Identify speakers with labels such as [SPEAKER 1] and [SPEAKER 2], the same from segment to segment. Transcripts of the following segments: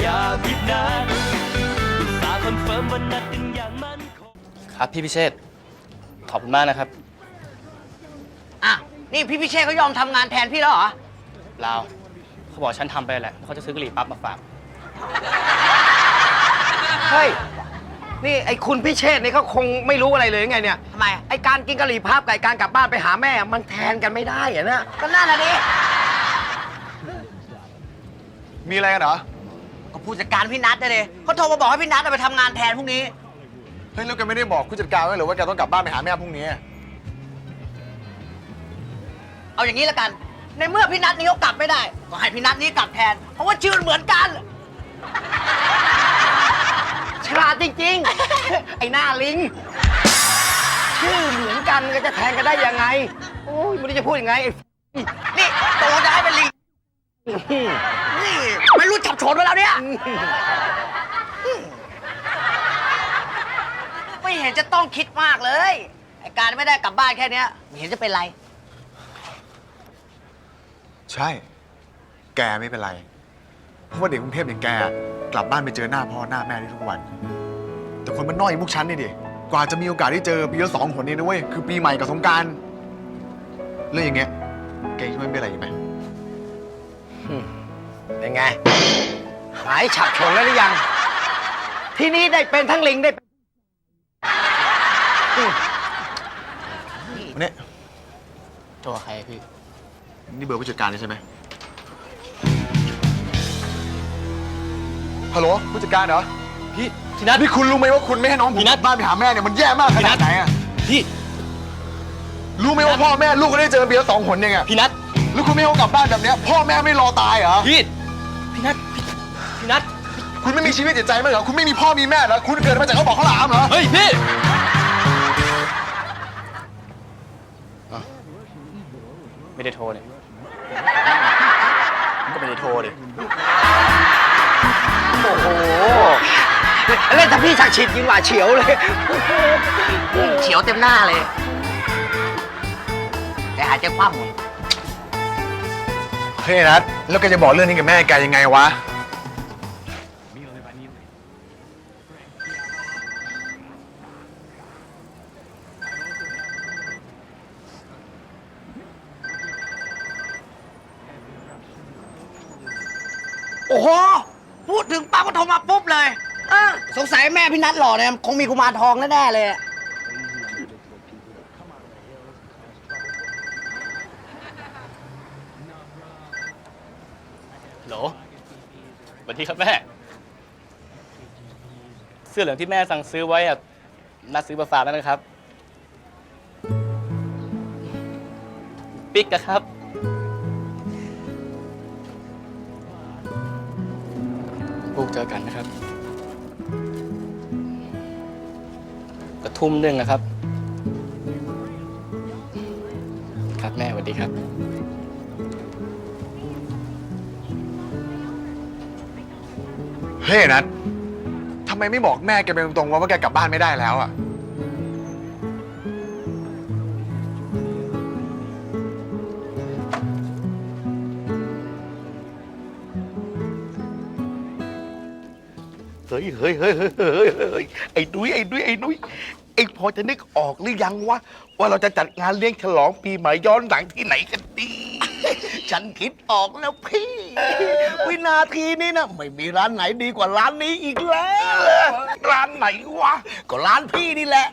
[SPEAKER 1] อย่าผิดนัดตาคอนเฟิร์มวันนัดกันอย่างมั่นคงครับพี่พิเชษขอบคุณมากนะครับ
[SPEAKER 2] อ่ะนี่พี่พิเชษเขายอมทำงานแทนพี่แล้วเหรอ
[SPEAKER 1] ลาวเขาบอกฉันทำไปแหละเขาจะซื้อกะหรี่ปั๊บมาฝาก
[SPEAKER 3] เฮ้ยนี่ไอ้คุณพิเชษนี่เขาคงไม่รู้อะไรเลยไงเนี่ย
[SPEAKER 2] ทำไม
[SPEAKER 3] ไอ้การกินกะหรี่พับกับไอ้การกลับบ้านไปหาแม่มันแทนกันไม่ได้อะนะ
[SPEAKER 2] ก็น่าละดิ
[SPEAKER 4] มีอะไรกันเหรอ
[SPEAKER 2] ก็ผู้จัดการพี่นัทเลยเขาโทรมาบอกให้พี่นัทไปทำงานแทนพรุ่งนี้
[SPEAKER 4] เฮ้ยแล้วแกไม่ได้บอกผู้จัดการไว้หรือว่าแกต้องกลับบ้านไปหาแม่พรุ่งนี้
[SPEAKER 2] เอาอย่างนี้ละกันในเมื่อพี่นัทนี้เขากลับไม่ได้ก็ให้พี่นัทนี้กลับแทนเพราะว่าชื่อเหมือนกัน
[SPEAKER 3] ฉลาดจริงๆ ไอ้หน้าลิงชื่อเหมือนกันก็จะแทนกันได้ยังไงโอ้ยไม่รู้จะพูดยังไง
[SPEAKER 2] นี่โตจะให้เป็นลิงนี่ไม่รู้จับโฉนไว้แล้วเนี่ยไม่เห็นจะต้องคิดมากเลยไอ้การไม่ได้กลับบ้านแค่นี้ไม่เห็นจะเป็นไร
[SPEAKER 4] ใช่แกไม่เป็นไรเพราะว่าเด็กกรุงเทพอย่างแกกลับบ้านไปเจอหน้าพ่อหน้าแม่ได้ทุกวันแต่คนมันน้อยอย่างพวกฉันนี่ดิกว่าจะมีโอกาสได้เจอปีละ2 หนเองนะเว้ยคือปีใหม่กับสงกรานต์เรื่องอย่างเงี้ยแกคิดว่าไม่เป็นไรไหม
[SPEAKER 3] เป็นไงหายฉับฉงแล้วหรือยังทีนี้ได้เป็นทั้งลิงได้
[SPEAKER 4] เนี่ย
[SPEAKER 1] โทรใครพี่
[SPEAKER 4] นี่เบอร์ผู้จัดการใช่ไหมฮัลโหลผู้จัดการเหรอ
[SPEAKER 1] พี่นัท
[SPEAKER 4] นี่คุณรู้ไหมว่าคุณไม่ให้น้องผมกลับบ้านไปหาแม่เนี่ยมันแย่มากขนาดไหนอะ
[SPEAKER 1] พี่
[SPEAKER 4] รู้ไหมว่าพ่อแม่ลูกก็ได้เจอปีละ2 หนเองอะ
[SPEAKER 1] พี่นัท
[SPEAKER 4] แล้วคุณไม่ให้เขากลับบ้านแบบเนี้ยพ่อแม่ไม่รอตายเหรอ
[SPEAKER 1] พี่นัท
[SPEAKER 4] คุณไม่มีชีวิตจิตใจมั้งเหรอคุณไม่มีพ่อมีแม่เหรอคุณเกิดมาจากเขาบอกเขาหลามเหรอ
[SPEAKER 1] เฮ้ยพี่ไม่ได้โทรเลยมันก็ไม่ได้โทรเลย
[SPEAKER 3] โอ้โหเล่นถ้าพี่ชักฉิดยิงหว่าเฉียวเลย
[SPEAKER 2] เฉียวเต็มหน้าเลยแต่หายใจคว่ำ
[SPEAKER 4] เฮ้ยนัทแล้วแกจะบอกเรื่องนี้กับแม่แกยังไงวะ
[SPEAKER 2] โอ้โหพูดถึงปั๊บก็โทรมาปุ๊บเลยสงสัยแม่พี่นัทหล่อเนี่ยคงมีกุมารทองแน่ๆเลย
[SPEAKER 1] โหลสวัสดีครับแม่เสื้อเหลืองที่แม่สั่งซื้อไว้อะนัดซื้อมาฝากแล้วนะครับปิ๊กนะครับลูกเจอกันนะครับกระทุ่ม1นะครับครับแม่สวัสดีครับ
[SPEAKER 4] เฮ้ยนัททำไมไม่บอกแม่แกไปตรงๆว่าแกกลับบ้านไม่ได้แล้วอะ
[SPEAKER 5] เฮ้ยไอ้นุ้ยเอ็งพอจะนึกออกหรือยังว่าเราจะจัดงานเลี้ยงฉลองปีใหม่ย้อนหลังที่ไหนกันดี
[SPEAKER 2] ฉันคิดออกแล้วพี่ วินาทีนี้นะไม่มีร้านไหนดีกว่าร้านนี้อีกแล้ว
[SPEAKER 5] ร้านไหนวะ
[SPEAKER 2] ก็ร้านพี่นี่แหละ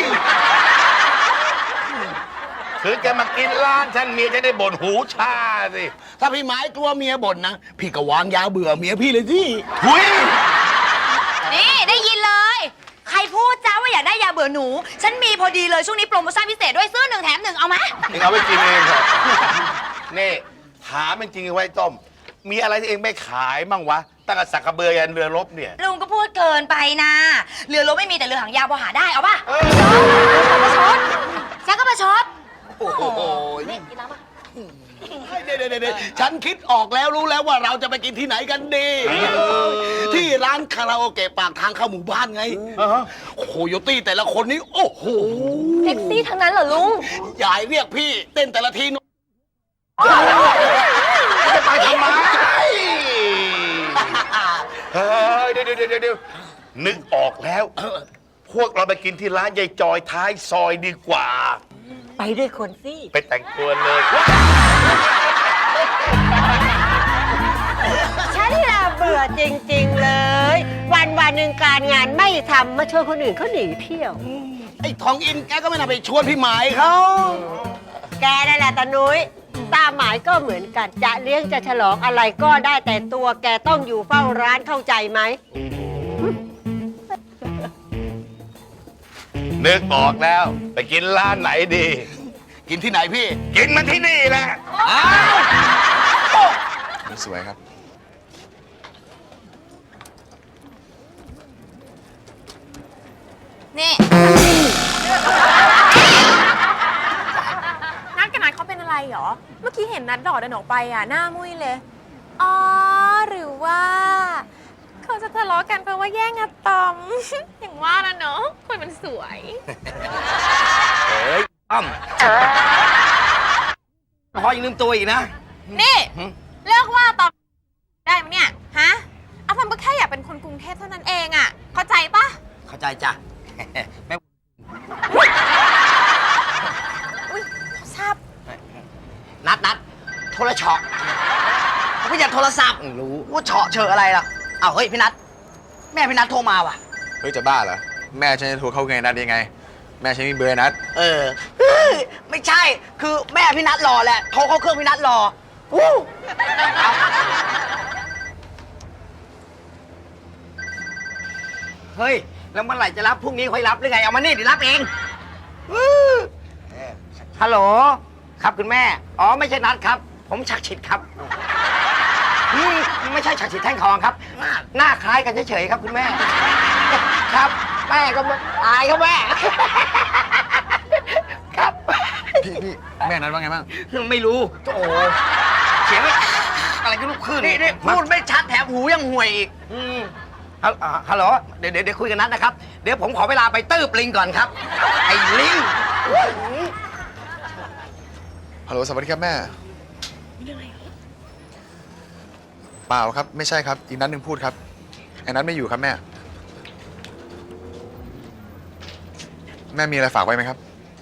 [SPEAKER 5] คือแกมากินร้านฉันเมียจะได้บ่นหูชาสิ
[SPEAKER 2] ถ้าพี่หมายกลัวเมียบ่นนะพี่ก็วางยาเบื่อเมียพี่เลยสิ
[SPEAKER 5] หุย
[SPEAKER 6] นี่ได้ยินเลยใครพูดจ้าว่าอยากได้ยาเบื่อหนูฉันมีพอดีเลยช่วงนี้โปรโมชั่นพิเศษด้วยซื้อ1 แถม 1เอามา
[SPEAKER 5] เองเอาไปกินเองเถอะนี่ถามจริงๆไว้ต้มมีอะไรที่เองไม่ขายมั่งวะตั้งแต่สักกระเบือยันเรือรบเนี่ย
[SPEAKER 6] ลุงก็พูดเกินไปนะเรือรบไม่มีแต่เรือหางยาวพอหาได้เอาป่ะประชดฉันก็ประชด
[SPEAKER 5] โอ้โห
[SPEAKER 6] นี่กินแล้วป่ะ
[SPEAKER 2] เดี๋ยวฉันคิดออกแล้วรู้แล้วว่าเราจะไปกินที่ไหนกันดีที่ร้านคาราโอเกะปากทางเข้าหมู่บ้านไงโคโยตี้แต่ละคนนี้โอ้โห
[SPEAKER 6] เซ็กซี่ทั้งนั้นเหรอลุง
[SPEAKER 2] ยายเรียกพี่เต้นแต่ละที
[SPEAKER 5] จะไปทำไมเฮ้ยเดี๋ยวนึกออกแล้ว พวกเราไปกินที่ร้านยายจอยท้ายซอยดีกว่า
[SPEAKER 7] ไปด้วยคนสิ
[SPEAKER 5] ไปแต่งตัวเลย
[SPEAKER 7] ฉันละเบื่อจริง ๆ เลย วันหนึ่งการงานไม่ทำมาชวนคนอื่นเขาหนีเที่ยว
[SPEAKER 2] ไอ้ทองอินแกก็ไม่น่าไปชวนพี่หมายเขา
[SPEAKER 7] แกนั่นแหละตานุ้ยตาหมายก็เหมือนกัน จะเลี้ยงจะฉลองอะไรก็ได้แต่ตัวแกต้องอยู่เฝ้าร้านเข้าใจไหม
[SPEAKER 5] นึกออกแล้ว ไปกินร้านไหนดี
[SPEAKER 2] กินที่ไหนพี่
[SPEAKER 5] กินมันที่นี่แหละ
[SPEAKER 4] สวยครับ
[SPEAKER 6] นี่
[SPEAKER 8] นัดกับนัดเขาเป็นอะไรเหรอ เมื่อกี้เห็นนัดดอดเดินออกไปอ่ะ หน้ามุ้ยเลย อ๋อ หรือว่า เขาจะทะเลาะกันเพราะว่าแย่งอะตอม อย่างว่านะเนาะคนมันสวย
[SPEAKER 3] พอยังลืมตัวอีกนะ
[SPEAKER 8] นี่ เลิกว่าตอมได้ไหมเนี่ย ฮะอะตอมก็แค่อยากเป็นคนกรุงเทพเท่านั้นเองอ่ะ เข้าใจปะ
[SPEAKER 3] เข้าใจจ้ะ
[SPEAKER 8] อุ้ยทราบ
[SPEAKER 3] นัดโทรช็อกไม่อยากโทรศัพท์รู้ว่าเฉาะเชออะไรล่ะอ้าวเฮ้ยพี่นัทแม่พี่นัทโทรมาว่ะ
[SPEAKER 4] เฮ้ยจะบ้าเหรอ แม่ฉันจะโทรเข้าไงนัดยังไง แม่ฉันมีเบอร์นัด
[SPEAKER 3] เฮ้ยไม่ใช่ คือแม่พี่นัทรอแหละ โทรเข้าเครื่องพี่นัทรอวู้เฮ้ย แล้วเมื่อไหร่จะรับพรุ่งนี้ค่อยรับหรือไง เอามานี่เดี๋ยวรับเองฮัลโหล ครับคุณแม่ อ๋อ ไม่ใช่นัทครับ ผมฉักฉิดครับไม่ใช่ฉักฉิดแท่งทองครับ หน้าคล้ายกันเฉยๆครับคุณแม่ ครับ แม่ก็ตายครับแม่ ครับ
[SPEAKER 4] พี่แม่นัดว่าไงบ้าง
[SPEAKER 3] ไม่รู้ โอ้เสียงอะไรก็ลุกขึ้นนี่พูดไม่ชัดแถมหูยังห่วยอีกฮัลโหลเดี๋ยวคุยกันนัดนะครับ เดี๋ยวผมขอเวลาไปตื้บลิงก่อนครับ ไอ้ลิง
[SPEAKER 4] ฮัลโหลสวัสดีครับแม่เปล่าครับไม่ใช่ครับอีกนัดหนึ่งพูดครับไอ้นัดไม่อยู่ครับแม่แม่มีอะไรฝากไว้ไหมครับ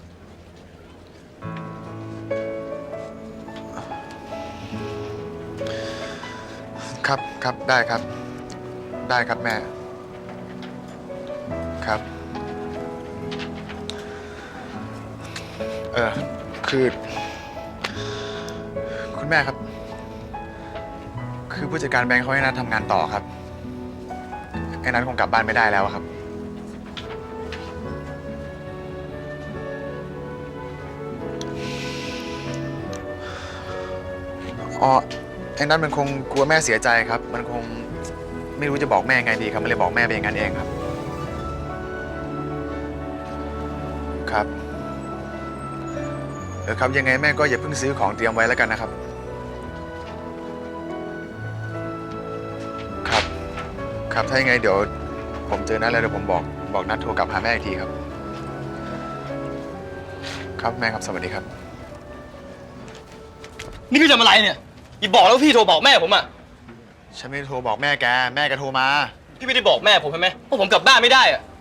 [SPEAKER 4] ครับได้ครับได้ครับแม่ครับคือคุณแม่ครับคือผู้จัดการแบงค์เขาให้นัดทำงานต่อครับไอ้นัทคงกลับบ้านไม่ได้แล้วอะครับอ๋อไอ้นัทมันคงกลัวแม่เสียใจครับมันคงไม่รู้จะบอกแม่ไงดีครับมันเลยบอกแม่ไปอย่างนั้นเองครับครับครับยังไงแม่ก็อย่าเพิ่งซื้อของเตรียมไว้แล้วกันนะครับครับถ้ายังไงเดี๋ยวผมเจอนัดแล้วเดี๋ยวผมบอกนัดโทรกลับหาแม่อีกทีครับครับแม่ครับสวัสดีครับ
[SPEAKER 1] นี่พี่ทำอะไรเนี่ยอย่าบอกแล้วาพี่โทรบอกแม่ผมอ่ะ
[SPEAKER 4] ฉันไม่ได้โทรบอกแม่แกก็โทรมา
[SPEAKER 1] พี่ไม่ได้บอกแม่ผมใช่ไหมว่าผมกลับบ้านไม่ได้อ่ะ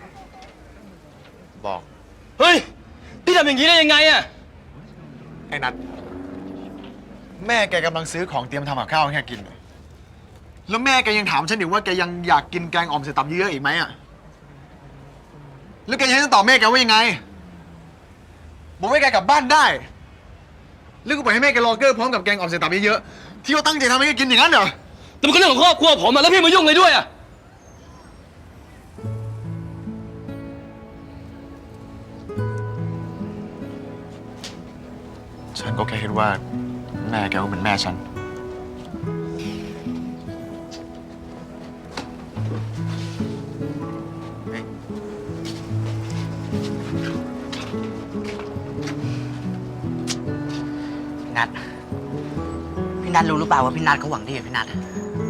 [SPEAKER 4] บอก
[SPEAKER 1] เฮ้ย พี่ทำอย่างนี้ได้ยังไงอ่ะ
[SPEAKER 4] ไอ้นัทแม่แกกำลังซื้อของเตรียมทำกับข้าวให้แกกินแล้วแม่แกยังถามฉันอีกว่าแกยังอยากกินแกงอ่อมใส่ตับเยอะๆอีกไหมอ่ะแล้วแกจะให้ฉันตอบแม่แกว่ายังไงบอกให้แกกลับบ้านได้แล้วก็ปล่อยให้แม่แกรอเกอร์พร้อมกับแกงอ่อมใส่ตับเยอะๆที่เขาตั้งใจทำให้แกกินอย่างนั้นเหรอ
[SPEAKER 1] แต่มันก็เรื่องของครอบครัวผมอ่ะแล้วพี่มายุ่งเลยด้วยอ่ะ
[SPEAKER 4] ฉันก็แค่คิดว่าแม่แกก็เป็นแม่ฉัน
[SPEAKER 3] นัทพี่นัทรู้หรือเปล่าว่าพี่นัทเขาหวังดีกับพี่นัท